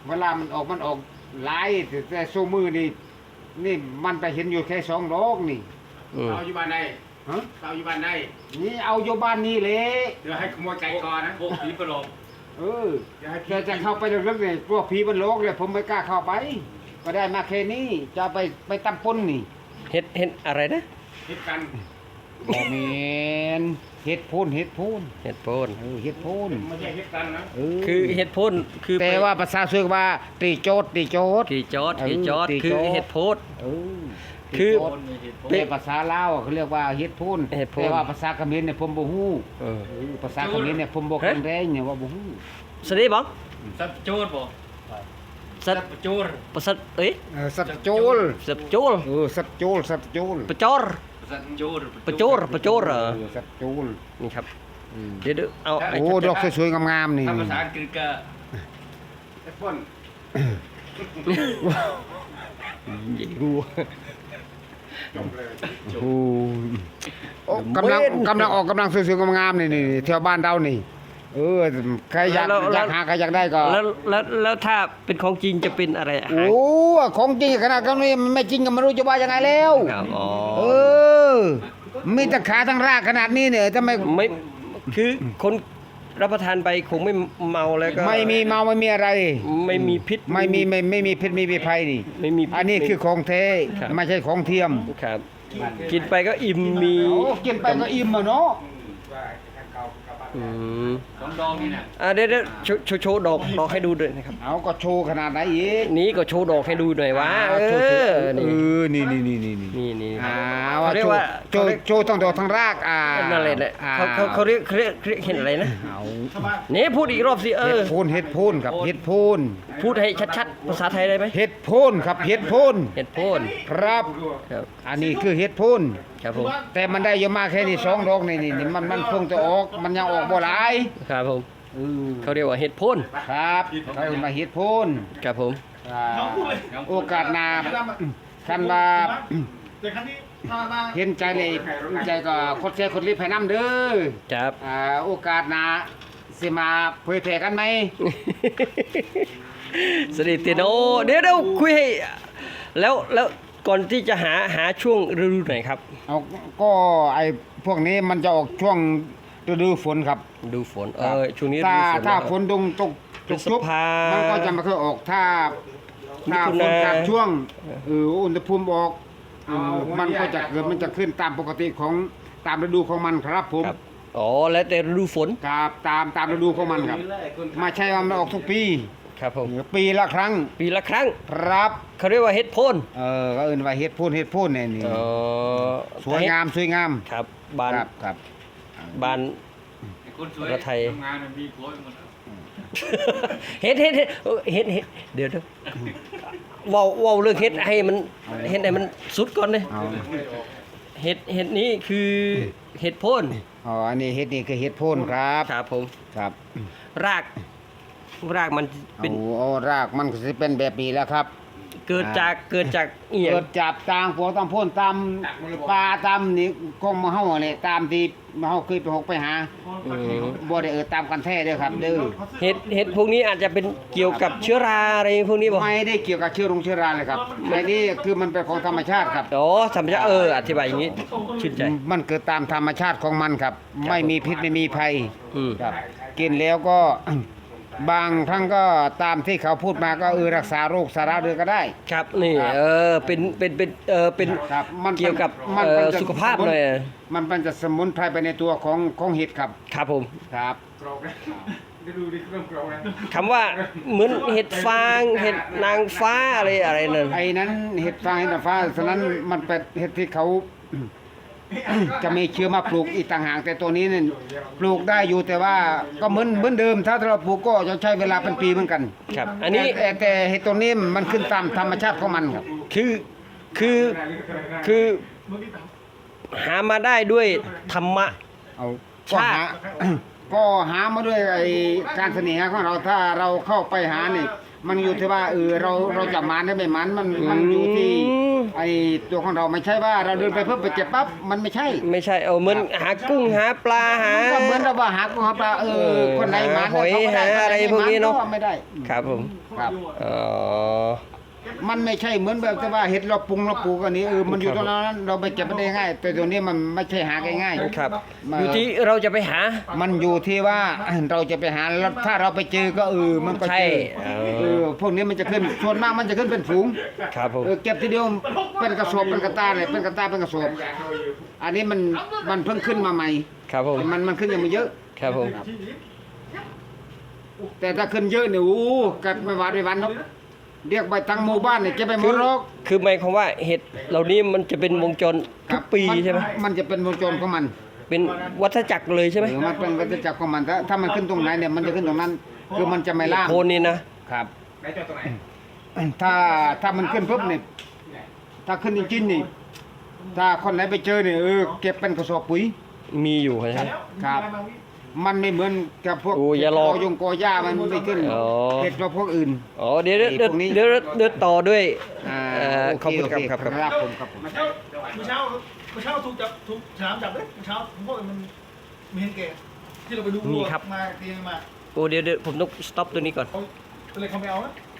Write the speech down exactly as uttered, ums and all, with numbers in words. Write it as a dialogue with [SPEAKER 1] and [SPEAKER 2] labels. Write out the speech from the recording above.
[SPEAKER 1] เวลามันออกมันออกหลายแต่โซมือนี่นี่มันไปเห็นอยู่แค่สองดอกนี่
[SPEAKER 2] อืม
[SPEAKER 3] เอาอยู่บ้านใด
[SPEAKER 1] ฮะ
[SPEAKER 3] เอาอยู่บ้านใด
[SPEAKER 1] นี่เอาอยู่บ้านนี่เลย
[SPEAKER 3] เดี๋ยวให้ขโมยไก่ก่อนนะพวกผีประหลอก
[SPEAKER 1] เออ
[SPEAKER 3] เดี๋ยวให้ผี
[SPEAKER 1] แต่จะเข้าไปลึกๆเนี่ยพวกผีมันโลกเลยผมไม่กล้าเข้าไป ก็ได้มาแค่นี้จะไปไปตำปนนี่
[SPEAKER 2] เฮ็ดเฮ็ดอะไรนะ
[SPEAKER 3] คิดกัน
[SPEAKER 1] บ่แม่นเฮ็ดพูนเฮ็ดพูน
[SPEAKER 2] เฮ็ดโพน
[SPEAKER 1] เออเฮ็ดพูน
[SPEAKER 3] ไม่ใช่คิดกันนะ
[SPEAKER 1] เออ
[SPEAKER 2] คือเฮ็ดโพนคือ
[SPEAKER 1] แต่
[SPEAKER 2] ไป
[SPEAKER 1] ว่าภาษาเสือกว่าตีโจดตีโจด
[SPEAKER 2] ตีจอด
[SPEAKER 1] เออ
[SPEAKER 2] ตีจอด
[SPEAKER 1] ตี
[SPEAKER 2] คือ
[SPEAKER 1] จอด
[SPEAKER 2] เฮ็ดโพด
[SPEAKER 1] เออ
[SPEAKER 2] คือ
[SPEAKER 1] ตีโจดแต่ภาษาลาวเขาเรียกว่าเฮ็ดพูน
[SPEAKER 2] เฮ็ดพูน
[SPEAKER 1] แต่ว่าภาษาเขมรเนี่ยผมบ่ฮู้
[SPEAKER 2] เออ
[SPEAKER 1] เออภาษาเขมรเนี่ยผมบ่แข็งแรงเนี่ยว่าบ่ฮู้
[SPEAKER 2] สวัสดีบ้อง
[SPEAKER 3] สับโจรบ่
[SPEAKER 2] สัต
[SPEAKER 3] สับโจร
[SPEAKER 2] ประสัตเอ้ย
[SPEAKER 1] เออสัตว์โจร
[SPEAKER 2] สัตโจร
[SPEAKER 1] เออสัตว์โจรสัตว์โจร
[SPEAKER 2] ประจอร
[SPEAKER 3] สับโจร
[SPEAKER 2] ประโจรประโจรเหรอ
[SPEAKER 1] เออสัตว์โจร
[SPEAKER 2] นี่ครับ
[SPEAKER 1] อืม
[SPEAKER 2] เดี๋ยวๆเอาไอ้
[SPEAKER 1] โอ้ดอกสวยๆงามๆนี่
[SPEAKER 3] ถ้าภาษาอังกฤษก็แอปเปิ้ล
[SPEAKER 2] ดู
[SPEAKER 3] จบเลย
[SPEAKER 1] โอ้โอ้กำลังกำลังออกกำลังสวยๆงามๆนี่นี่แถวบ้านเรานี่ เออใครอยากอยากหาใครอยากได้ก็
[SPEAKER 2] แล้วแล้วแล้วถ้าเป็นของจริงจะเป็นอะไรอาหาร
[SPEAKER 1] โอ้ของจริงขนาดนี้มันไม่จริงก็ไม่รู้จะว่ายังไงแล้ว
[SPEAKER 2] ครับอ๋อ
[SPEAKER 1] เออมีแต่ขาทั้งรากขนาดนี้เนี่ยทำไม
[SPEAKER 2] ไม่คือคนรับประทานไปคงไม่เมาแล้วก็
[SPEAKER 1] ไม่มีเมาไม่มีอะไร
[SPEAKER 2] ไม่มีพิษ
[SPEAKER 1] ไม่มีไม่ไม่มีพิษไม่มีภัยนี่
[SPEAKER 2] ไม่มีพิษ
[SPEAKER 1] อันนี้คือของแท้
[SPEAKER 2] ครับ
[SPEAKER 1] ไม่ใช่ของเทียม
[SPEAKER 2] ครับ กินไปก็อิ่มมี
[SPEAKER 1] โอ้กินไปก็อิ่มอ่ะเนาะ
[SPEAKER 2] อืม
[SPEAKER 3] สองดองนี่น่ะ
[SPEAKER 2] อ่ะเดี๋ยวเดี๋ยวโชว์โชว์โชว์ดอกดอกให้ดูด้วยนะครับ
[SPEAKER 1] เอาก็โชว์ขนาดไหนอีก
[SPEAKER 2] นี้ก็โชว์ดอกให้ดูหน่อยว่าเอ
[SPEAKER 1] โชว์โชว์
[SPEAKER 2] อ
[SPEAKER 1] เอ
[SPEAKER 2] นี่
[SPEAKER 1] อนี่นี่นี่นี่นี่
[SPEAKER 2] นี่นี่
[SPEAKER 1] อ่า
[SPEAKER 2] เขา
[SPEAKER 1] ว่า
[SPEAKER 2] เรีย
[SPEAKER 1] โช
[SPEAKER 2] ก
[SPEAKER 1] ว์
[SPEAKER 2] ว่า
[SPEAKER 1] โชว์โชว์ทั้งดอกทั้งรากอ่า
[SPEAKER 2] นั่นแหละแหละ
[SPEAKER 1] อ่
[SPEAKER 2] เขาเขาเขาเรียกเขาเรียกเขาเรียกเห็นอะไรนะ
[SPEAKER 1] เอา
[SPEAKER 2] นี่พูดอีกรอบสิเอ
[SPEAKER 1] เห็ด
[SPEAKER 2] อ
[SPEAKER 1] โพนเห็ดโพนครับเห็ดโพน
[SPEAKER 2] พูดให้ชัดๆภาษาไทยได้ไหม
[SPEAKER 1] เห็ดโพนครับเห็ดโพน
[SPEAKER 2] เห็ดโพน
[SPEAKER 1] ครับ
[SPEAKER 2] ครับ
[SPEAKER 1] อันนี้คือเห็ดโพน
[SPEAKER 2] ครับผม
[SPEAKER 1] แต่มันได้เยอะมากแค่นี้สองดอกนี่นี่นี่มันมันคงจะออกมันยังออกบ่หลาย
[SPEAKER 2] ครับผม
[SPEAKER 1] เออ
[SPEAKER 2] เขาเรียกว่าเห็ดโพน
[SPEAKER 1] ครับเขาเรียกว่าเห็ดโพน
[SPEAKER 2] ครับผม
[SPEAKER 1] อ่าโอกาสหน้าคันว่า
[SPEAKER 3] แต่ครั้งนี้มามา
[SPEAKER 1] เห็นใจเลยใจก็คดแชร์คดรีบให้น้ำเด้อ
[SPEAKER 2] ครับ
[SPEAKER 1] อ่าโอกาสหน้าสิมาเผยแพร่กันไหม
[SPEAKER 2] สวัสดีเตียโนเดี๋ยวเดี๋ยวคุยให้แล้วแล้วก่อนที่จะหาหาช่วงฤดูไหนครับ
[SPEAKER 1] เอาก็ไอ้พวกนี้มันจะออกช่วงฤดูฝนครับ
[SPEAKER 2] ดูฝนเออช่วงนี้ฤ
[SPEAKER 1] ถ้า
[SPEAKER 2] ดูฝน
[SPEAKER 1] ถ้า
[SPEAKER 2] แล้ว
[SPEAKER 1] ฝนตกตก
[SPEAKER 2] พ
[SPEAKER 1] ต
[SPEAKER 2] ฤ
[SPEAKER 1] ก
[SPEAKER 2] ษ
[SPEAKER 1] ชุบ
[SPEAKER 2] ภา
[SPEAKER 1] มันก็จะไม่ค่อยออกถ้าถ้า
[SPEAKER 2] มิถุ
[SPEAKER 1] ฝ
[SPEAKER 2] นาน
[SPEAKER 1] ขาดช่วงเอออุณหภูมิออกเออมันก็จะเกิดมันจะขึ้นตามปกติของตามฤดูของมันครับผม
[SPEAKER 2] ครับอ๋อแล้วแต่ฤดูฝน
[SPEAKER 1] ครับตามตามฤดูของมันครับไม่ใช่ว่ามันออกทุกปี
[SPEAKER 2] ครับผม
[SPEAKER 1] เออปีละครั้ง
[SPEAKER 2] ปีละครั้ง
[SPEAKER 1] ครับ
[SPEAKER 2] เขาเรียกว่าเห็ดโพน
[SPEAKER 1] เออก็เอิ้นว่าเฮ็ดโพ่นเฮ็ดโพ่นเนี่ยนี่
[SPEAKER 2] เออ
[SPEAKER 1] สวยงามสวยงาม
[SPEAKER 2] ครับบาน
[SPEAKER 1] ครับครับ
[SPEAKER 2] บาน
[SPEAKER 3] คนสวย
[SPEAKER 2] ประเทศไทย
[SPEAKER 3] ทำงานมีโค้ดหมด
[SPEAKER 2] เห็ดเห็ดเห็ดเออเห็ดเห็ดเดี๋ยวเดี๋ยวเว้าเว้าเรื่องเห็ดให้มันเห็ดให้มันสุดก่อนเลย
[SPEAKER 1] เอา
[SPEAKER 2] เห็ดเห็ดนี้คือเห็ดโพน
[SPEAKER 1] อ๋ออันนี้เฮ็ดนี่คือเฮ็ดโพ่นครับ
[SPEAKER 2] ครับผม
[SPEAKER 1] ครับ
[SPEAKER 2] ราก รากมันเป็น
[SPEAKER 1] โอ้โอ้รากมันก็สิเป็นแบบนี้แหล้วครับ
[SPEAKER 2] เกิดจากเกิดจากเอียง
[SPEAKER 1] เกิดจับตางพวกตามโพ่นตามปลาตามนี่กองมาเฮาเนี่ยตามที่มาเฮาเคยไปหกไปหา
[SPEAKER 2] อืม
[SPEAKER 1] บ่ได้เออตามกันแท้เด้อครับเด้อ
[SPEAKER 2] เห็ดเห็ดพวกนี้อาจจะเป็นเกี่ยวกับเชื้อราอะไรพวกนี้บ่
[SPEAKER 1] ไม่ได้เกี่ยวกับเชื้อรงเชื้อราเลยครับไอ้นี่คือมันเป็นของธรรมชาติครับ
[SPEAKER 2] อ๋อธรรมชาติเอออธิบายอย่างนี้ชื่นใจ
[SPEAKER 1] มันเกิดตามธรรมชาติของมันครับ ไม่มีพิษไม่มีภัย
[SPEAKER 2] อืม
[SPEAKER 1] ครับกินแล้วก็ บางครั้งก็ตามที่เขาพูดมาก็เออรักษาโรคสาระเดือก็ได้
[SPEAKER 2] ครับนี่เออเป็นเป็นเป็นเออเป็น
[SPEAKER 1] ครับมัน
[SPEAKER 2] เกี่ยวกับ
[SPEAKER 1] มัน
[SPEAKER 2] เอ่อ
[SPEAKER 1] มันจะ
[SPEAKER 2] สุขภาพหน่อย
[SPEAKER 1] มันเป็นจะสมุนไพรไปในตัวของของเห็ดครับ
[SPEAKER 2] ครับผม
[SPEAKER 1] ครับ
[SPEAKER 3] กรอบนะได้ดูดิเครื่องกรอบนะ
[SPEAKER 2] คำว่าเหมือนเห็ดฟางเห็ดนางฟ้าอะไรอะไรนั่น
[SPEAKER 1] ไอ้นั้นเห็ดฟางเห็ดนางฟ้าฉะนั้นมันเป็นเห็ดที่เขา จะมีเชื้อมาปลูกอีกต่างหากแต่ตัวนี้เนี่ยปลูกได้อยู่แต่ว่าก็เหมือนเหมือนเดิม ถ้าเราปลูกก็จะใช้เวลาเป็นปีเหมือนกัน
[SPEAKER 2] ครับ อันนี้
[SPEAKER 1] แต่แต่เห็ดตัวนี้มันขึ้นตามธรรมชาติของมันครับ
[SPEAKER 2] คือคือคือหามาได้ด้วยธรรมะ
[SPEAKER 1] เอาก็
[SPEAKER 2] ชาติ
[SPEAKER 1] หาก็หามาด้วยไอ้การเสน่หาของเราถ้าเราเข้าไปหานี่มันอยู่ที่ว่าเออเราเราจะมันได้ไม่มันมันมันอยู่ที่ไอ้ตัวของเราไม่ใช่ว่าเราเดินไปเพิ่มไปเจ็บปั๊บมันไม่ใช่
[SPEAKER 2] ไม่ใช่เอาเหมือนหากุ้งหาปลาหา
[SPEAKER 1] มันก็เหมือนเราว่าหากุ้งหาปลาเอ
[SPEAKER 2] เอ
[SPEAKER 1] อ
[SPEAKER 2] อ
[SPEAKER 1] คนไหนมัน
[SPEAKER 2] หาหอย
[SPEAKER 1] เขาก็ด้
[SPEAKER 2] หาอะไรพวกนี้เนอะ
[SPEAKER 1] คไม่ได้
[SPEAKER 2] ครับผม
[SPEAKER 1] ครับ
[SPEAKER 2] อ๋อ
[SPEAKER 1] มันไม่ใช่เหมือนแบบที่ว่าเห็ดเราปรุงเราปลูกอันนี้เออมันอยู่ตรงนั้นเราไปเก็บมันได้ง่าย แต่ตัวนี้มันไม่ใช่หาง่ายๆ
[SPEAKER 2] ครับ
[SPEAKER 1] มา
[SPEAKER 2] อยู่ที่เราจะไปหา
[SPEAKER 1] มันอยู่ที่ว่า เราจะไปหาแล้วถ้าเราไปเจอก็เออมันก็
[SPEAKER 2] ใช่
[SPEAKER 1] เจอ
[SPEAKER 2] เออ
[SPEAKER 1] เออพวกนี้มันจะขึ้นส่วนมากมันจะขึ้นเป็นฝูง
[SPEAKER 2] ครับผม
[SPEAKER 1] เออเก็บทีเดียวเป็นกระสอบเป็นกระตาเลยเป็นกระตาเป็นกระสอบอันนี้มันมันเพิ่งขึ้นมาใหม่
[SPEAKER 2] ครับผม
[SPEAKER 1] มันมันขึ้นยังไม่เยอะ
[SPEAKER 2] ครับผม
[SPEAKER 1] แต่ถ้าขึ้นเยอะเนี่ยโอ้กัดไม่หวาดไม่หวันหรอกเรียกไปทั้งหมู่บ้านเนี่ยจะไปหม
[SPEAKER 2] คื
[SPEAKER 1] ด
[SPEAKER 2] อ
[SPEAKER 1] หรอก
[SPEAKER 2] คือหมายความว่าเห็ดเหล่านี้มันจะเป็นวงจรทุกปีใช่ไหม
[SPEAKER 1] มันจะเป็นวงจรของมัน
[SPEAKER 2] เป็นวัฏจักรเลยใช่ไหม
[SPEAKER 1] หรือมันเป็นวัฏจักรของมันถ้าถ้ามันขึ้นตรงไหนเนี่ยมันจะขึ้นตรงนั้น คือมันจะไม่ล่าง
[SPEAKER 2] โคนนี่นะ
[SPEAKER 1] ครับ
[SPEAKER 3] ไหนจอดตรงไหน
[SPEAKER 1] ถ้าถ้ามันขึ้นปุ๊บเนี่ยถ้าขึ้นจริงๆนี่ถ้าคนไหนไปเจอเนี่ยเออเก็บเป็นกระสอบปุ๋ย
[SPEAKER 2] มีอยู่ใช่ไหม
[SPEAKER 1] ครับ มันไม่เหมือนกับพวก
[SPEAKER 2] โอ้อย่าหลอก
[SPEAKER 1] ยงกอหญ้ามันไม่ขึ้น
[SPEAKER 2] อ๋อ
[SPEAKER 1] เห็ดเราพวกอื่น
[SPEAKER 2] อ๋อเดี๋ยวเดี๋ยว
[SPEAKER 1] ไอ้
[SPEAKER 2] เดี๋ยว
[SPEAKER 1] พวกนี้
[SPEAKER 2] เดี๋ยวเดี๋ยวต่อด้วย
[SPEAKER 1] อ่า
[SPEAKER 2] เอ่อ
[SPEAKER 1] โอ
[SPEAKER 2] ขอบ
[SPEAKER 1] เค
[SPEAKER 2] คุณ
[SPEAKER 1] โอ
[SPEAKER 2] ครับ
[SPEAKER 1] เค
[SPEAKER 2] ครับครับ
[SPEAKER 1] ครับผมครับผม
[SPEAKER 3] เมื่อเช้าเมื่อเช้าเมื่อเช้าถูกจับถูกฉลามจับเลยเมื่อเช้าผมบอกมันมีเห็นแก่ที่เราไปดู
[SPEAKER 2] นี่ครับ
[SPEAKER 3] มาเตียงมา
[SPEAKER 2] โอ้เดี๋ยวเดี๋ยวผมต้อง stop ตัวนี้ก่อน
[SPEAKER 3] เขาเลยเขาไม่เอานะ